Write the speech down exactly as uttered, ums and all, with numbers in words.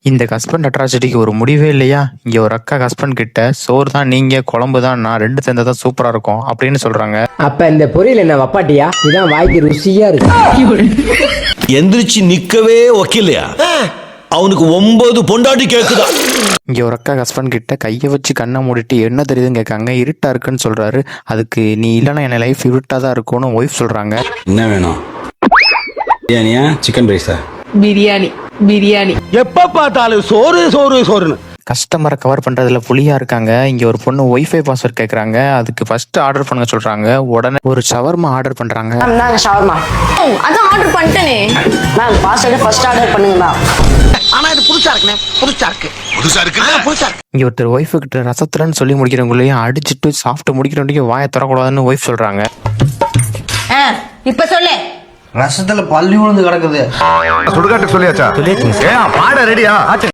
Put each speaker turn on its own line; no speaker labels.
இந்த ஹஸ்பண்ட் அட்ராசிட்டிக்கு ஒரு முடிவே இல்லையா? இங்க ஒரு அக்கா ஹஸ்பண்ட் கிட்ட சோறு தான் நீங்க, குழம்பு தான் நான், ரெண்டு சேர்ந்தா தான் சூப்பரா இருக்கும் அப்படின்னு சொல்றாங்க.
அப்ப இந்த பொரியல் என்ன வப்பாட்டியா? இதான் வாய்க்கு ருசியா இருக்கு.
எந்திரிச்சு நிக்கவே ஒக்கில்லையா? அவனுக்கு ஒன்பது பொண்டாட்டி கேக்குதா?
இங்க ஒரு அக்கா ஹஸ்பண்ட் கிட்ட கையை வச்சு கண்ணை மூடிட்டு என்ன தெரியுதுன்னு கேட்காங்க. இருட்டா இருக்குன்னு சொல்றாரு. அதுக்கு நீ இல்லைன்னா என் லைஃப் இருட்டா தான் இருக்கும்னு ஒய்ஃப் சொல்றாங்க.
என்ன வேணும்? பிரியாணியா, சிக்கன் ரைஸா?
பிரியாணி பிரியாணி.
எப்ப பார்த்தாலும் சோறு சோறு சோறுன்னு
கஸ்டமரை கவர் பண்றதுல புலியா இருக்காங்க. இங்க ஒரு பொண்ணு ஒய்ஃபை பாஸ்வேர்ட் கேக்குறாங்க. அதுக்கு ஃபர்ஸ்ட் ஆர்டர் பண்ண சொல்றாங்க. உடனே ஒரு ஷவர்மா ஆர்டர் பண்றாங்க.
நாங்க ஷவர்மா அதான் ஆர்டர் பண்ணிட்டேனே. மேம் பாஸ்வேர்டு ஃபர்ஸ்ட் ஆர்டர் பண்ணுங்க.
ஆனா இது புதுசா இருக்குனே. புதுசா இருக்கு. புதுசா இருக்கு. புதுசா இருக்கு.
இங்க ஒருத்தர் ஒய்ஃபு கிட்ட ரசத்துலன்னு சொல்லி முடிக்கிறவங்களையும் அடிச்சுட்டு சாப்பிட்டு முடிக்கிறவங்க வாயை தரக்கூடாதுன்னு ஒய்ஃப் சொல்றாங்க.
இப்ப சொல்லு.
ரசத்துல பள்ளி விழுந்து கிடக்குது.
சுடுகாட்டுக்கு சொல்லியாச்சா? சொல்லியாச்சு. பாட ரெடியா?